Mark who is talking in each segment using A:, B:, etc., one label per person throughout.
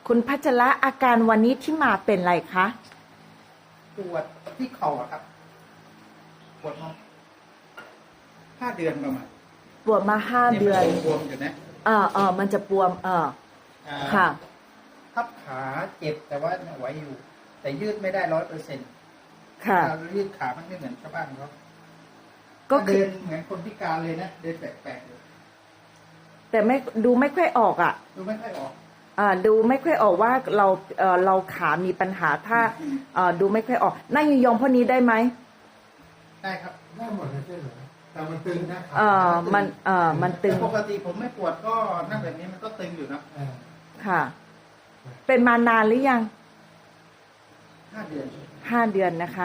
A: คุณพัชระอาการวันนี้ที่มาเป็นไรคะ
B: ปวดที่เข่าครับปวดมา5 เดือนประมาณ
A: ปวดมา5 เดือน
B: บวมอยู่นะ
A: มันจะบวมค่ะ
B: ทับขาเจ็บแต่ว่าไหวอยู่ แต่ยืดไม่ได้100%
A: ค่ะ
B: ยืดขามันไม่เหมือนชาวบ้านเขา
A: ก็
B: เดินเหมือนคนพิการเลยนะเดินแปลกๆเลย
A: แต่ดูไม่ค่อยออก
B: ดูไม่ค่อยออก
A: ดูไม่ค่อยออกว่าเราขามีปัญหาถ้าดูไม่ค่อยออกนั่งยองๆพวกนี้ได้ไหม
B: ได้ครับ
C: ได้หมดเลยใช่ไหมแต่มันตึงนะ
A: มันตึง
B: ปกติผมไม่ปวดก็นั่งแบบนี้มันก็ตึงอยู่นะ
A: ค่ะเป็นมานานหรือยัง
B: 5 เดือน
A: 5 เดือนนะคะ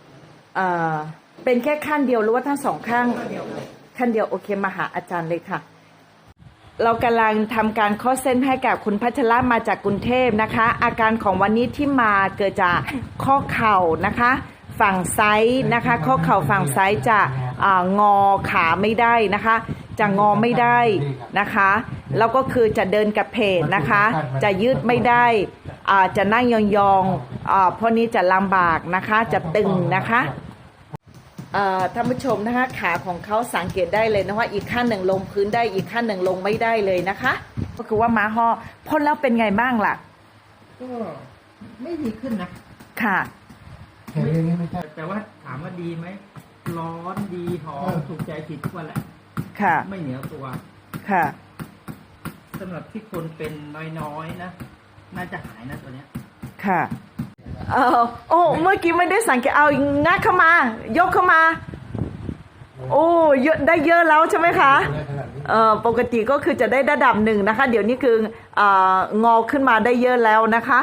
A: เป็นแค่ขั้นเดียวหรือว่าทั้งสองข้างขั้นเดียวโอเคมาหาอาจารย์เลยค่ะเรากำลังทำการข้อเส้นให้กับคุณพัชระมาจากกรุงเทพนะคะอาการของวันนี้ที่มาเกิดจากข้อเข่านะคะฝั่งซ้ายนะคะข้อเข่าฝั่งซ้ายจะงอขาไม่ได้นะคะจะงอไม่ได้นะคะแล้วก็คือจะเดินกระเพกนะคะจะยืดไม่ได้จะนั่งยองๆเพราะนี้จะลำบากนะคะจะตึงนะคะท่านผู้ชมนะคะขาของเขาสังเกตได้เลยนะว่าอีกขั้นหนึ่งลงพื้นได้อีกขั้นหนึ่งลงไม่ได้เลยนะคะก็คือว่าม้าห่อพ่นแล้วเป็นไงบ้างล่ะ
B: ก็ไม่ดีขึ้นนะ
A: ค่ะ
B: แต่ว่าถามว่าดีไหมร้อนดีหอมถูกใจผิดทุกวันแหละ
A: ค่ะ
B: ไม่เหนียวตัว
A: ค่ะ
B: สำหรับที่คนเป็นน้อยๆนะน่าจะหายนะตัวเนี้ย
A: ค่ะโอ้เมื่อกี้ไม่ได้สังเกตเอางัดเข้ามายกเข้ามาโอ้เยอะได้เยอะแล้วใช่ไหมคะปกติก็คือจะได้ระดับหนึ่งนะคะเดี๋ยวนี้คืองอขึ้นมาได้เยอะแล้วนะคะ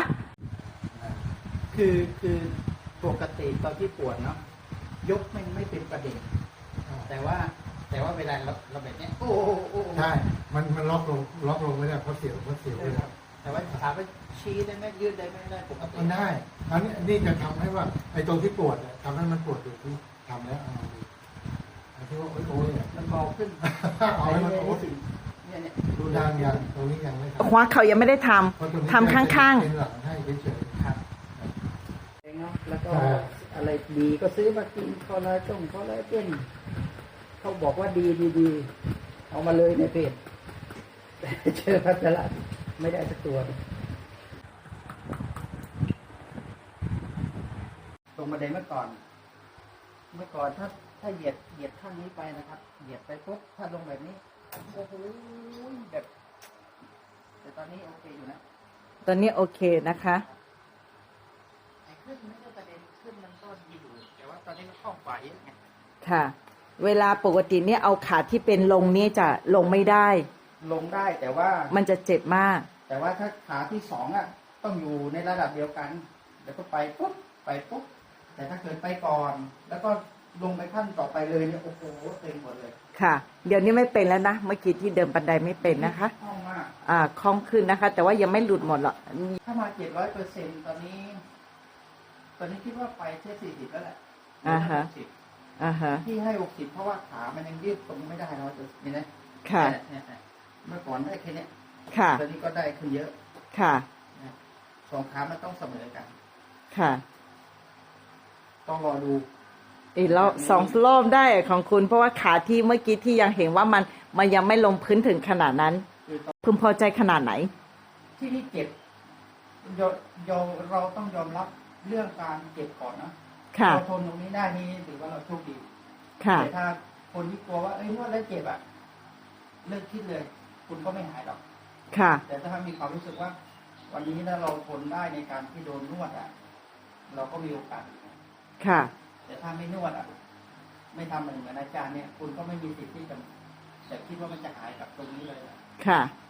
B: คือปกติตอนที่ปวดเนาะยกไม่เป็นประเด็นแต่ว่าเวลาเราแบบนี้โอ้
C: ใช่มันล็อกลงไม่ได้เพราะเสียวเลย
B: แต่ว่าขาไปชี้ได้ไหมยืดได้ไหมได้ปกติ
C: มันได้อันนี้จะทำให้ว่าไอ้ตรงที่ปวดทำให้มันปวดอยู่ที่ทำแล้วที่ว่าโอ้ย
B: มันเบาขึ้น
C: เอาให้มันโอ้ยเนี่ยดูดังยังตรงนี้ยังไม่
A: หัวเขายังไม่ได้ทำข้าง
C: ๆเป็นหลังให้เฉยๆครับ
B: แล้วก็อะไรดีก็ซื้อมากินคอลลาเจนเขาบอกว่าดีเอามาเลยในเพจแต่เจอพัชระไม่ได้สักตัวตรงบันไดเมื่อก่อนถ้าเหยียดข้างนี้ไปนะครับเหยียดไปปุ๊บถ้าลงแบบนี้โอ้โหแบบแต่ตอนนี้โอเคอยู่นะ
A: ตอนนี้โอเคนะคะ
B: ขึ้นไม่ใช่ประเด็นขึ้นมันก็ดีอยู่แต่ว่าตอนนี้มันเข้าฝ่ายไง
A: ค่ะเวลาปกติเนี่ยเอาขาที่เป็นลงนี่จะลงไม่ได้
B: ลงได้แต่ว่า
A: มันจะเจ็บมาก
B: แต่ว่าถ้าขาที่2ต้องอยู่ในระดับเดียวกันแล้วก็ไปปุ๊บแต่ถ้าเกิดไปก่อนแล้วก็ลงไปขั้นต่อไปเลยเนี่ยโอ้โหเต็มหมดเลย
A: ค่ะเดี๋ยวนี้ไม่เป็นแล้วนะเมื่อกี้ที่เดินบันไดไม่เป็นนะคะ
B: คล่องมาก
A: คล่องขึ้นนะคะแต่ว่ายังไม่หลุดหมดหรอก
B: ถ้ามา700%ตอนนี้คิดว่าไปแค่40แล้วแหละที่ให้60เพราะว่าขามันยังยืดตรงไม่ได้เนาะนี่นะ
A: ค่ะ
B: เมื่อก่อนได้แค่นี้
A: ค่ะ
B: ตอนนี้ก็ได้ขึ้นเยอะ
A: ค่ะ
B: 2ขามันต้องเสมอกัน
A: ค่ะ
B: ต้องรอดู
A: อีกแล้ว2 รอบได้ของคุณเพราะว่าขาที่เมื่อกี้ที่ยังเห็นว่ามันยังไม่ลงพื้นถึงขนาดนั้นพึงพอใจขนาดไหน
B: ที่นี่เจ็บเราต้องยอมรับเรื่องการเจ็บก่อนนะเราทนตรงนี้ได้นี่ถือว่าเราโชคดีแต่ถ้าคนที่กลัวว่านวดแล้วเจ็บเลิกคิดเลยคุณก็ไม่หายหรอกแต่ถ้ามีความรู้สึกว่าวันนี้ถ้าเราทนได้ในการที่โดนนวดเราก็มีโอกาสแต่ถ้าไม่นวดไม่ทำเหมือนอาจารย์เนี่ยคุณก็ไม่มีสิทธิ์ที่จะคิดว่ามันจะหายกับตรงนี้เลย
A: ค่ะ